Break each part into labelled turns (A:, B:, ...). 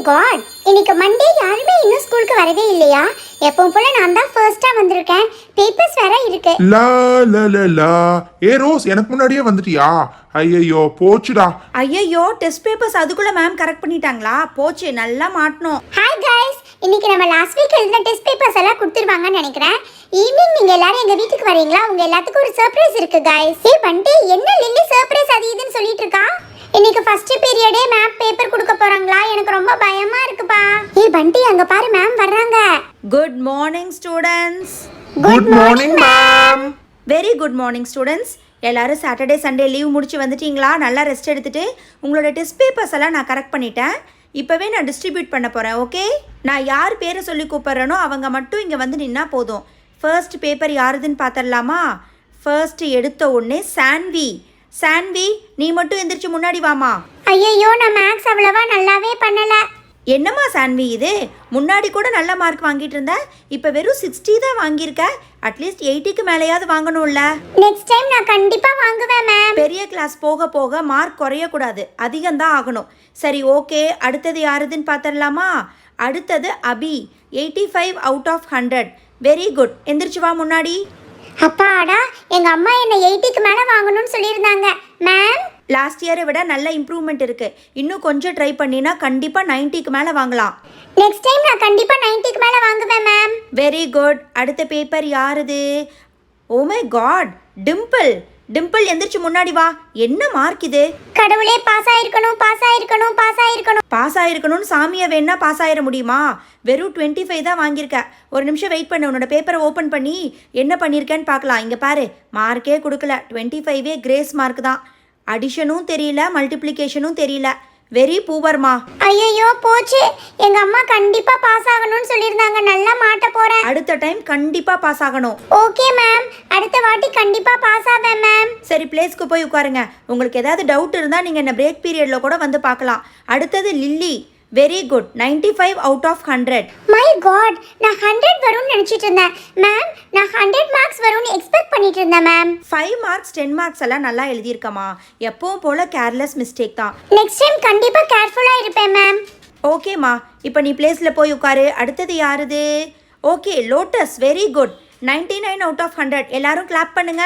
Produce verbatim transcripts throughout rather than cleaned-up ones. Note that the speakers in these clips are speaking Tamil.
A: காட், இன்னைக்கு மண்டே யாருமே இன்னும் ஸ்கூலுக்கு வரவே இல்லையா? எப்பவும் போல நான் தான் ஃபர்ஸ்டா வந்திருக்கேன். பேப்பர்ஸ் வேற இருக்கு.
B: லா லா லா லா. ஏ ரோஸ், எனக்கு முன்னாடியே வந்துட்டியா? ஐயோ போச்சுடா.
C: ஐயோ டெஸ்ட் பேப்பர்ஸ் அதுக்குள்ள மேம் கரெக்ட் பண்ணிட்டாங்களா? போச்சு, நல்லா மாட்டணும்.
A: ஹாய் गाइस, இன்னைக்கு நம்ம லாஸ்ட் வீக் எழுதின டெஸ்ட் பேப்பர்ஸ் எல்லாம் கொடுத்துருவாங்கன்னு நினைக்கிறேன். ஈவினிங் நீங்க எல்லாரும் எங்க வீட்டுக்கு வரீங்களா? உங்க எல்லாத்துக்கும் ஒரு சர்ப்ரைஸ் இருக்கு गाइस. ஏ பண்டி, என்ன லில்லி சர்ப்ரைஸ் அது இதுன்னு சொல்லிட்டு இருக்கா? இன்னைக்கு ஃபர்ஸ்ட் பீரியடே மேம் பேப்பர் கொடுக்க போறாங்களா? எனக்கு ரொம்ப பயமா இருக்குப்பா. ஏ பண்டி, அங்க பாரு மேம் வர்றாங்க.
C: Good morning students.
B: Good morning ma'am.
C: Very good morning students. எல்லாரும் சாட்டர்டே சண்டே லீவ் முடிச்சு வந்துட்டீங்களா? நல்லா ரெஸ்ட் எடுத்துட்டு உங்களோட டெஸ்ட் பேப்பர்ஸ் எல்லாம் நான் கரெக்ட் பண்ணிட்டேன். இப்போவே நான் டிஸ்ட்ரிபியூட் பண்ண போகிறேன். ஓகே, நான் யார் பேரை சொல்லி கூப்பிட்றேனோ அவங்க மட்டும் இங்கே வந்து நின்னா போதும். ஃபர்ஸ்ட் பேப்பர் யாருதுன்னு பார்த்துடலாமா? ஃபர்ஸ்ட் எடுத்த உடனே சான்வி. சான்வி, நீ மட்டும் எந்திரிச்சு முன்னாடி வாமா.
A: ஐயோ, நான் மேக்ஸ் அவ்வளவா நல்லாவே பண்ணல.
C: என்னம்மா சான்வி இது? முன்னாடி கூட நல்ல மார்க் வாங்கிட்டு இருந்த, இப்போ வெறும் சிக்ஸ்டி தான் வாங்கியிருக்க. அட்லீஸ்ட் எயிட்டிக்கு மேலேயாவது வாங்கணும்ல.
A: நெக்ஸ்ட் டைம் நான் கண்டிப்பா வாங்குவேன் மேம்.
C: பெரிய கிளாஸ் போக போக மார்க் குறையக்கூடாது, அதிகம்தான் ஆகணும். சரி ஓகே, அடுத்தது யாருதுன்னு பார்த்துடலாமா? அடுத்தது Abhi. Eighty five out of hundred. Very good, எந்திரிச்சு வா முன்னாடி.
A: அப்பாடா, எங்க அம்மா என்ன எயிட்டிக்கு மேல வாங்கணும்னு சொல்லியிருந்தாங்க மேம்.
C: லாஸ்ட் இயரை விட நல்ல இம்ப்ரூவ்மெண்ட் இருக்கு. இன்னும் கொஞ்சம் ட்ரை பண்ணினா கண்டிப்பாக நைன்ட்டிக்கு மேலே வாங்கலாம்.
A: நெக்ஸ்ட் டைம் நான் கண்டிப்பா நைன்ட்டிக்கு மேல வாங்குவேன் மேம்.
C: Very good. அடுத்த பேப்பர் யாருது? Oh my God, Dimple. Dimple எந்திரிச்சு முன்னாடி வா. என்ன மார்க் இது?
A: கடவுளே, பாஸ் ஆயிருக்கணும், பாஸ் ஆயிருக்கணும், பாஸ் ஆயிருக்கணும்.
C: பாஸ் ஆயிருக்கணும்னு சாமியை வேணா பாஸ் ஆயிட முடியுமா? வெறும் டுவெண்ட்டி ஃபைவ் தான் வாங்கியிருக்க. ஒரு நிமிஷம் வெயிட் பண்ணு, உன்னோட பேப்பரை ஓப்பன் பண்ணி என்ன பண்ணியிருக்கேன்னு பார்க்கலாம். இங்கே பாரு, மார்க்கே கொடுக்கல. டுவெண்ட்டி ஃபைவே கிரேஸ் மார்க் தான். அடிஷனும் தெரியல, மல்டிப்ளிகேஷனும் தெரியல. வெரி பூவர்மா.
A: ஐயோ போச்சு, எங்க அம்மா கண்டிப்பா பாஸ் ஆகணும்னு சொல்லியிருந்தாங்க. நல்லா மாட்ட போறேன்.
C: அடுத்த டைம் கண்டிப்பா பாஸ் ஆகணும்.
A: ஓகே மேம், அடுத்த வாட்டி கண்டிப்பா பாஸ் ஆவேன் மேம்.
C: சரி, பிளேஸ்க்கு போய் உட்காருங்க. உங்களுக்கு ஏதாவது டவுட் இருந்தால் நீங்கள் என்ன பிரேக் பீரியட்ல கூட வந்து பார்க்கலாம். அடுத்தது Lily. Very good, ninety five out of hundred.
A: My God, நான் ஹண்ட்ரட் வரும்னு நினச்சிட்டு இருந்தேன் மேம். நான் ஹண்ட்ரட் மார்க்ஸ் வரும்னு எக்ஸ்பெக்ட் பண்ணிட்டு இருந்தேன் ma'am.
C: Five marks ten marks எல்லாம் நல்லா எழுதியிருக்கமா. எப்பவும் போல கேர்லெஸ் மிஸ்டேக் தான்.
A: நெக்ஸ்ட் டைம் கண்டிப்பாக கேர்ஃபுல்லாக இருப்பேன் மேம்.
C: ஓகேம்மா, இப்போ நீ பிளேஸில் போய் உட்காரு. அடுத்தது யாருது? Okay, Lotus. Very good, ninety nine out of hundred. எல்லாரும் கிளாப் பண்ணுங்க.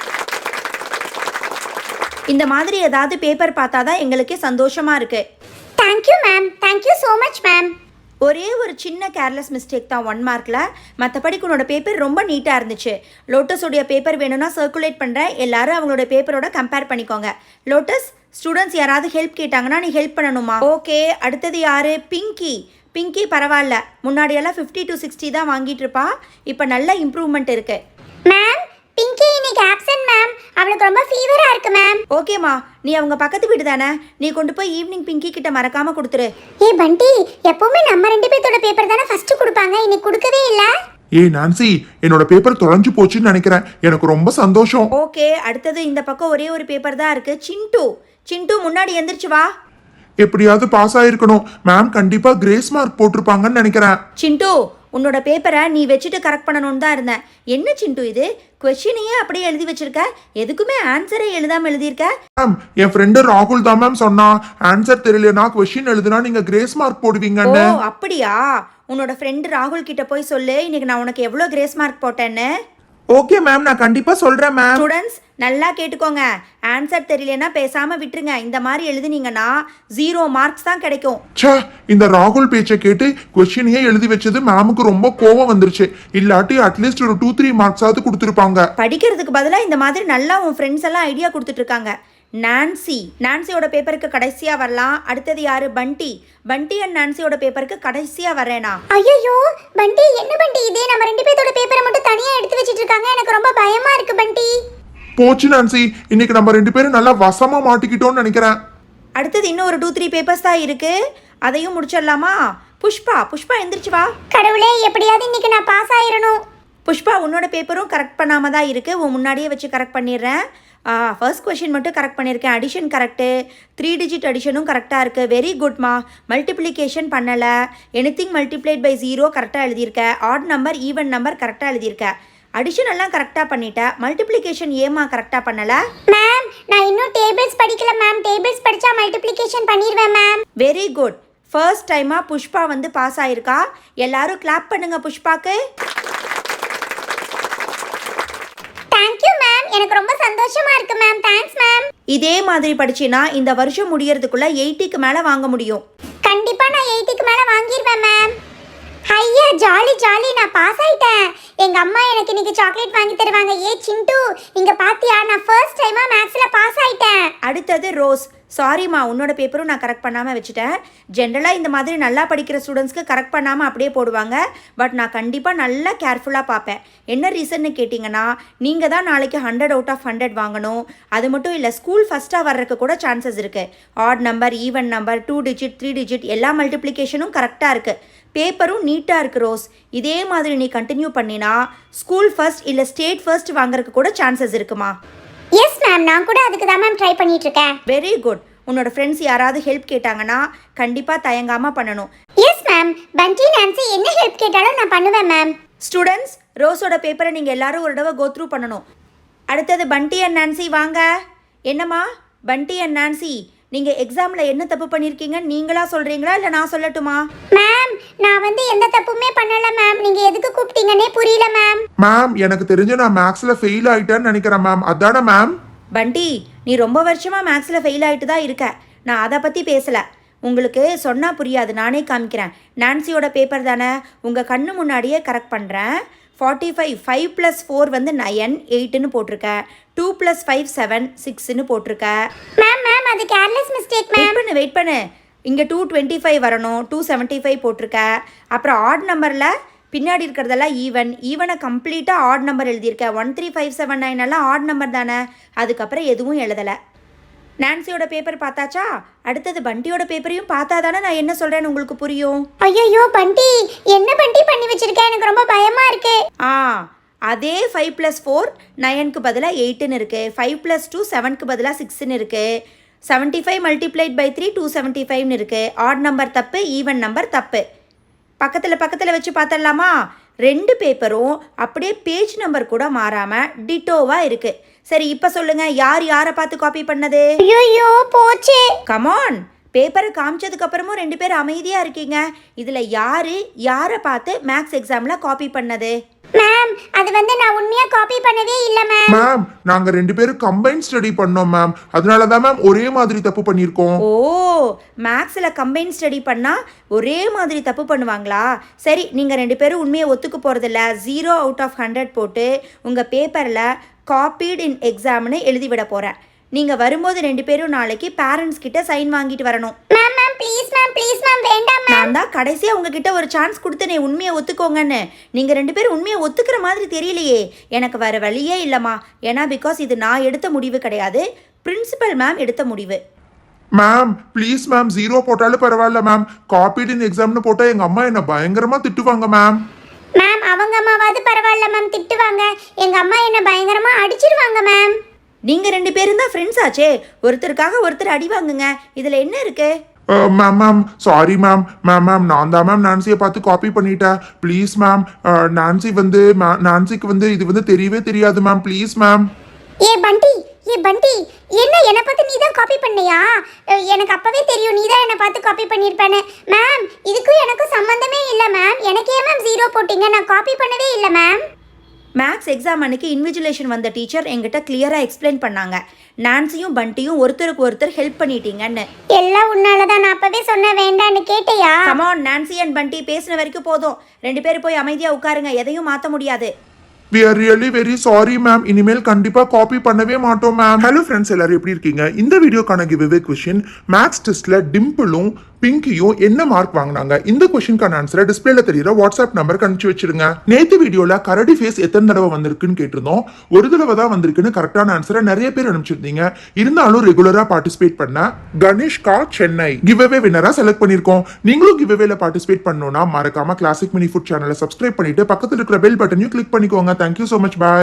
C: இந்த மாதிரி ஏதாவது பேப்பர் பார்த்தா தான் எங்களுக்கே சந்தோஷமா இருக்கு.
A: Thank you ma'am, thank you so much ma'am.
C: ஒரே ஒரு சின்ன கேர்லெஸ் மிஸ்டேக் தான் ஒன் மார்க்கில். மற்றபடி உன்னோட பேப்பர் ரொம்ப நீட்டாக இருந்துச்சு. லோட்டஸோடைய பேப்பர் வேணும்னா சர்க்குலேட் பண்ணுறேன். எல்லாரும் அவங்களோட பேப்பரோட கம்பேர் பண்ணிக்கோங்க. லோட்டஸ், ஸ்டூடெண்ட்ஸ் யாராவது ஹெல்ப் கேட்டாங்கன்னா நீ ஹெல்ப் பண்ணணுமா? ஓகே, அடுத்தது யார்? பிங்கி. பிங்கி பரவாயில்ல, முன்னாடியெல்லாம் ஃபிஃப்டி டு சிக்ஸ்டி தான் வாங்கிட்டு இருப்பா. இப்போ நல்ல இம்ப்ரூவ்மெண்ட் இருக்கு.
A: மேம், பிங்கி இன்னைக்கு ஆப்சென்ட் மேம். அவளுக்கு ரொம்ப ஃபீவரா இருக்கு மேம்.
C: ஓகேம்மா, நீ அவங்க பக்கத்து வீடு தானே, நீ கொண்டு போய் ஈவினிங் பிங்கி கிட்ட மறக்காம கொடுத்துரு.
A: ஏ பண்டி, எப்பவுமே நம்ம ரெண்டு பேர்த்தோட பேப்பர் தானே ஃபர்ஸ்ட் கொடுப்பாங்க, இன்னைக்கு கொடுக்கவே இல்ல.
B: ஏ நான்சி, என்னோட பேப்பர் தொலைஞ்சு போச்சுன்னு நினைக்கிறேன். எனக்கு ரொம்ப சந்தோஷம்.
C: ஓகே, அடுத்தது இந்த பக்கம் ஒரே ஒரு பேப்பர் தான் இருக்கு. சிண்டு. சிண்டு, முன்னாடி எந்திரிச்சு வா.
B: எப்படியாவது பாஸ் ஆயிருக்கணும். மேம் கண்டிப்பா கிரேஸ் மார்க் போட்டிருப்பாங்கன்னு நினைக்கிறேன்.
C: சிண்டு, உன்னோட பேப்பரை நீ வச்சுட்டு கரெக்ட் பண்ணணும்னு தான் இருந்தேன். என்ன சிண்டு இது? கொஸ்டினையே அப்படியே எழுதி வச்சிருக்க, எதுக்குமே ஆன்சரே எழுதாம எழுதியிருக்க.
B: மேம், என் ஃப்ரெண்டு ராகுல் தான் மேம் சொன்னா, ஆன்சர் தெரியலனா கொஸ்டின் எழுதுனா நீங்க கிரேஸ் மார்க் போடுவீங்கன்னு.
C: ஓ அப்படியா? உன்னோட ஃப்ரெண்டு ராகுல் கிட்ட போய் சொல்லு, இன்னைக்கு நான் உனக்கு எவ்வளோ கிரேஸ் மார்க் போட்டேன்னு.
B: ஓகே மேம், நான் கண்டிப்பா சொல்றேன் மேம்.
C: ஸ்டூடெண்ட்ஸ் நல்லா கேட்டுக்கோங்க. ஆன்சர் தெரியலனா பேசாம விட்டுருங்க. இந்த மாதிரி எழுதுனீங்கன்னா ஜீரோ மார்க்ஸ் தான் கிடைக்கும்.
B: ச்சே, இந்த ராகுல் பேச்சை கேட்டு கொஸ்டினையே எழுதி வச்சது மேமுக்கு ரொம்ப கோவம் வந்துருச்சு. இல்லாட்டி அட்லீஸ்ட் ஒரு டூ த்ரீ மார்க்ஸாவது கொடுத்துருப்பாங்க.
C: படிக்கிறதுக்கு பதிலாக இந்த மாதிரி நல்லா உன் ஃப்ரெண்ட்ஸ் எல்லாம் ஐடியா கொடுத்துட்டு இருக்காங்க. நான்சி. நான்சியோட பேப்பருக்கு கடைசியா வரலாம். அடுத்தது யாரு? பண்டி. பண்டி அண்ட் நான்சியோட பேப்பருக்கு கடைசியா வரேனா?
A: ஐயோ பண்டி, என்ன பண்டி இது? நம்ம ரெண்டு பேர்த்தோட பேப்பரை மட்டும் தனியா எடுத்து வச்சிட்டு இருக்காங்க. எனக்கு ரொம்ப பயமா இருக்கு பண்டி.
B: போச்சு நான்சி, இன்னைக்கு நம்ம ரெண்டு பேரும் நல்லா வசமா மாட்டிக்கிட்டோம்னு நினைக்கிறேன்.
C: அடுத்தது இன்னும் ஒரு டூ த்ரீ பேப்பர்ஸ் தான் இருக்கு, அதையும் முடிச்சிடலாமா? புஷ்பா. புஷ்பா எந்திரிச்சு வா.
A: கடவுளே, எப்படியாவது இன்னைக்கு நான் பாஸ் ஆயிரணும்.
C: புஷ்பா, உன்னோட பேப்பரும் கரெக்ட் பண்ணாம தான் இருக்கு. உன் முன்னாடியே வச்சு கரெக்ட் பண்ணிடுறேன். ஃபர்ஸ்ட் கொஷின் மட்டும் கரெக்ட் பண்ணியிருக்கேன். அடிஷன் கரெக்டு, த்ரீ டிஜிட் அடிஷனும் கரெக்டாக இருக்குது. வெரி குட்மா. மல்டிப்ளிகேஷன் பண்ணலை. எனிதிங் மல்டிப்ளைட் பை ஜீரோ கரெக்டாக எழுதியிருக்கேன். ஆட் நம்பர் ஈவன் நம்பர் கரெக்டாக எழுதியிருக்கேன். அடிஷன் எல்லாம் கரெக்டாக பண்ணிட்டேன். மல்டிப்ளிகேஷன் ஏமா கரெக்டாக பண்ணலை?
A: மேம், நான் இன்னும் டேபிள்ஸ் படிக்கல மேம். டேபிள்ஸ் படித்தா மல்டிப்ளிகேஷன் பண்ணிடுவேன் மேம்.
C: Very good. ஃபர்ஸ்ட் டைமாக புஷ்பா வந்து பாஸ் ஆயிருக்கா. எல்லாரும் கிளாப் பண்ணுங்க புஷ்பாக்கு.
A: தேங்க்யூ மேம், எனக்கு ரொம்ப சந்தோஷமா இருக்கு மேம். Thanks ma'am.
C: இதே மாதிரி படிச்சினா இந்த வருஷம் முடியறதுக்குள்ள எயிட்டிக்கு மேலே வாங்க முடியும்.
A: கண்டிப்பா நான் எயிட்டிக்கு மேல வாங்கிடுவேன் மேம். ஐயா ஜாலி ஜாலி, நான் பாஸ் ஆயிட்டேன். எங்க அம்மா எனக்கு இன்னைக்கு சாக்லேட் வாங்கி தருவாங்க. ஏ சிண்டு, இங்க பாத்தியா, நான் ஃபர்ஸ்ட் டைமா மேத்ஸ்ல பாஸ் ஆயிட்டேன்.
C: அடுத்தது ரோஸ். சாரிம்மா, உன்னோட பேப்பரும் நான் கரெக்ட் பண்ணாமல் வச்சுட்டேன். ஜென்ரலாக இந்த மாதிரி நல்லா படிக்கிற ஸ்டூடெண்ட்ஸ்க்கு கரெக்ட் பண்ணாமல் அப்படியே போடுவாங்க. பட் நான் கண்டிப்பாக நல்லா கேர்ஃபுல்லாக பார்ப்பேன். என்ன ரீசன்னு கேட்டிங்கன்னா, நீங்கள் தான் நாளைக்கு ஹண்ட்ரட் அவுட் ஆஃப் ஹண்ட்ரட் வாங்கணும். அது மட்டும் இல்லை, ஸ்கூல் ஃபஸ்ட்டாக வர்றதுக்கு கூட சான்சஸ் இருக்குது. Odd number, even number, two digit, three digit எல்லா மல்டிப்ளிகேஷனும் கரெக்டாக இருக்குது. பேப்பரும் நீட்டாக இருக்குது ரோஸ். இதே மாதிரி நீ கண்டினியூ பண்ணினா ஸ்கூல் ஃபர்ஸ்ட் இல்லை ஸ்டேட் ஃபர்ஸ்ட் வாங்குறதுக்கு கூட சான்சஸ் இருக்குமா?
A: எஸ் மேம், நான் கூட அதுக்கு தான் மேம் ட்ரை பண்ணிட்டு இருக்கேன்.
C: Very good. உன்னோட ஃப்ரெண்ட்ஸ் யாராவது ஹெல்ப் கேட்டாங்கன்னா கண்டிப்பாக தயங்காமல் பண்ணணும்.
A: எஸ் மேம், பண்டி நான்சி என்ன ஹெல்ப் கேட்டாலும் நான் பண்ணுவேன் மேம்.
C: ஸ்டூடெண்ட்ஸ், ரோஸோட பேப்பரை நீங்கள் எல்லாரும் ஒரு தடவை கோத்ரூ பண்ணணும். அடுத்தது பண்டி அண்ட் நான்சி வாங்க. என்னம்மா பண்டி அண்ட் நான்சி, நீங்கள் எக்ஸாமில் என்ன தப்பு பண்ணியிருக்கீங்க நீங்களா சொல்கிறீங்களா இல்லை நான் சொல்லட்டுமா?
A: மேம், நான் வந்து எந்த தப்புமே பண்ணல மேம். நீங்க எதுக்கு கூப்பிட்டீங்கன்னே புரியல மேம்.
B: மேம் எனக்கு தெரிஞ்சு நான் மேக்ஸ்ல ஃபெயில் ஆயிட்டேன்னு நினைக்கிறேன் மேம். அதானே மேம்?
C: பண்டி, நீ ரொம்ப வருஷமாக மேக்ஸில் ஃபெயில் ஆகிட்டு தான் இருக்க. நான் அதை பற்றி பேசலை. உங்களுக்கு சொன்னால் புரியாது, நானே காமிக்கிறேன். நான்சியோட பேப்பர் தானே, உங்கள் கண்ணு முன்னாடியே கரெக்ட் பண்ணுறேன். Forty five five plus four வந்து நயன் எயிட்டுன்னு போட்டிருக்க. டூ ப்ளஸ் ஃபைவ் செவன் சிக்ஸ்ன்னு போட்டிருக்க.
A: மேம் மேம் அது கேர்லெஸ் மிஸ்டேக்
C: வெயிட்
A: மேம்.
C: பண்ணு வெயிட் பண்ணு இங்கே டூ டுவெண்ட்டி ஃபைவ் வரணும். டூ செவன்ட்டி ஃபைவ் போட்டிருக்க. அப்புறம் ஆட் நம்பரில் பின்னாடி இருக்கிறதெல்லாம் ஈவன். ஈவனை கம்ப்ளீட்டாக ஆட் நம்பர் எழுதியிருக்க. One three five seven nine எல்லாம் ஆட் நம்பர் தானே. அதுக்கப்புறம் எதுவும் எழுதலை. நான்சியோட பேப்பர் பார்த்தாச்சா? அடுத்தது பண்டியோட பேப்பரையும் பார்த்தா தானே நான் என்ன சொல்கிறேன்னு உங்களுக்கு புரியும்.
A: ஐயோ பண்டி, என்ன பண்டி பண்ணி வச்சிருக்கேன், எனக்கு ரொம்ப பயமா இருக்கு.
C: ஆ அதே ஃபைவ் ப்ளஸ் ஃபோர் நயனுக்கு பதிலாக எயிட்டுன்னு இருக்குது. ஃபைவ் ப்ளஸ் டூ செவனுக்கு பதிலாக சிக்ஸ்ன்னு இருக்குது. Seventy five multiplied by three two seventy ஃபைவ்னு இருக்குது. ஆட் நம்பர் தப்பு, ஈவன் நம்பர் தப்பு. பக்கத்தில் பக்கத்தில் வச்சு பார்த்துடலாமா? ரெண்டு பேப்பரும் அப்படியே பேஜ் நம்பர் கூட மாறாமல் டிட்டோவாக இருக்குது. சரி, இப்போ சொல்லுங்கள், யார் யாரை பார்த்து காப்பி பண்ணது?
A: ஐயோ போச்சு.
C: கமான், பேப்பரை காமிச்சதுக்கு அப்புறமும் ரெண்டு பேரும் அமைதியாக இருக்கீங்க. இதில் யார் யாரை பார்த்து மேக்ஸ் எக்ஸாமில் காப்பி பண்ணது?
A: மேம், அது வந்து நான் உண்மையா காப்பி பண்ணவே இல்ல மேம்.
B: மேம் நாங்க ரெண்டு பேரும் கம்பைன் ஸ்டடி பண்ணோம் மேம். அதனால தான் மேம் ஒரே மாதிரி தப்பு பண்ணியிருக்கோம்.
C: ஓ, மேக்ஸில் கம்பைன் ஸ்டடி பண்ணால் ஒரே மாதிரி தப்பு பண்ணுவாங்களா? சரி, நீங்கள் ரெண்டு பேரும் உண்மையை ஒத்துக்க போகிறதில்ல. ஜீரோ அவுட் ஆஃப் ஹண்ட்ரட் போட்டு உங்கள் பேப்பரில் காப்பீட் இன் எக்ஸாம்னு எழுதிவிட போகிறேன். நீங்கள் வரும்போது ரெண்டு பேரும் நாளைக்கு பேரண்ட்ஸ் கிட்ட சைன் வாங்கிட்டு வரணும்.
A: Ma'am ma'am please ma'am please ma'am வேண்டாம் மேம்.
C: நான் தான் கடைசியாக உங்ககிட்ட ஒரு சான்ஸ் கொடுத்தனே உண்மையை ஒத்துக்கோங்கன்னு. நீங்கள் ரெண்டு பேரும் உண்மையை ஒத்துக்கிற மாதிரி தெரியலையே. எனக்கு வேறு வழியே இல்லைம்மா. ஏன்னா பிகாஸ் இது நான் எடுத்த முடிவு கிடையாது, பிரின்சிபல் மேம் எடுத்த முடிவு.
B: மேம் ப்ளீஸ் மேம், ஜீரோ போட்டாலும் பரவாயில்ல மேம். காப்பீட் இன் எக்ஸாம்னு போட்டால் எங்கள் அம்மா என்ன பயங்கரமாக திட்டுவாங்க மேம்.
A: மேம் அவங்க அம்மாவாவது பரவாயில்ல மேம், திட்டுவாங்க. எங்க அம்மா என்ன பயங்கரமா அடிச்சிருவாங்க மேம்.
C: நீங்கள் ரெண்டு பேரும் தான் ஃப்ரெண்ட்ஸ் ஆச்சே, ஒருத்தருக்காக ஒருத்தர் அடி வாங்குங்க. இதில் என்ன இருக்கு?
B: Ma'am ma'am sorry ma'am. Ma'am ma'am நான் தான் மேம் நான்சியை பார்த்து காப்பி பண்ணிட்டேன். Please ma'am. நான்சி வந்து நான்சிக்கு வந்து இது வந்து தெரியவே தெரியாது மேம். Please ma'am.
A: ஏ பண்டி, ஏ பண்டி, என்ன என்னை பார்த்து நீ தான் காப்பி பண்ணியா? எனக்கு அப்பவே தெரியும் நீ தான் என்னை பார்த்து காப்பி பண்ணியிருப்பேன்னு. மேம் இதுக்கும் எனக்கும் சம்மந்தமே இல்லை மேம். எனக்கு ஏன் மேம் ஜீரோ போட்டீங்க? நான் காப்பி பண்ணவே இல்லை மேம்.
C: மேக்ஸ் எக்ஸாம் அன்னைக்கு இன்விஜிலேஷன் வந்த டீச்சர் எங்கிட்ட கிளியராக எக்ஸ்பிளைன் பண்ணாங்க. நான்சியும் பண்டியும் ஒருத்தருக்கு ஒருத்தர் ஹெல்ப் பண்ணிட்டீங்கன்னு.
A: எல்லாம் உன்னால தான். நான் அப்பவே சொன்ன வேண்டான்னு கேட்டையா?
C: கமான், நான்சி அண்ட் பண்டி பேசின வரைக்கும் போதும். ரெண்டு பேரும் போய் அமைதியாக உட்காருங்க, எதையும் மாற்ற முடியாது.
B: We are really very sorry ma'am. இனிமேல் கண்டிப்பா காப்பி பண்ணவே மாட்டோம் மேம். ஹலோ ஃப்ரெண்ட்ஸ், எல்லாரும் எப்படி இருக்கீங்க? இந்த வீடியோக்கான கிவ்அவே கொஸ்டின், மேக்ஸ் டெஸ்ட்ல டிம்பிளும் பிங்கியும் என்ன மார்க் வாங்கினாங்க? இந்த கொஸ்டினுக்கான ஆன்சரை டிஸ்பிளேல தெரியுற வாட்ஸ்அப் நம்பருக்கு அனுப்பிச்சு வச்சிருங்க. நேத்து வீடியோல கரடி ஃபேஸ் எத்தனை தடவை வந்திருக்குன்னு கேட்டிருந்தோம். ஒரு தடவை தான் வந்திருக்குன்னு கரெக்டான ஆன்சரை நிறைய பேர் அனுப்பிச்சிருந்தீங்க. இருந்தாலும் ரெகுலரா பார்ட்டிசிபேட் பண்ண கணேஷ் கா சென்னை கிவ்அவே வின்னரா செலக்ட் பண்ணிருக்கோம். நீங்களும் கிவ்அவேல பார்ட்டிசிபேட் பண்ணணும்னா மறக்காம கிளாசிக் மினி ஃபுட் சேனலை சப்ஸ்கிரைப் பண்ணிட்டு பக்கத்துல இருக்கிற பெல் பட்டனையும் கிளிக் பண்ணிக்கோங்க. Thank you so much. Bye.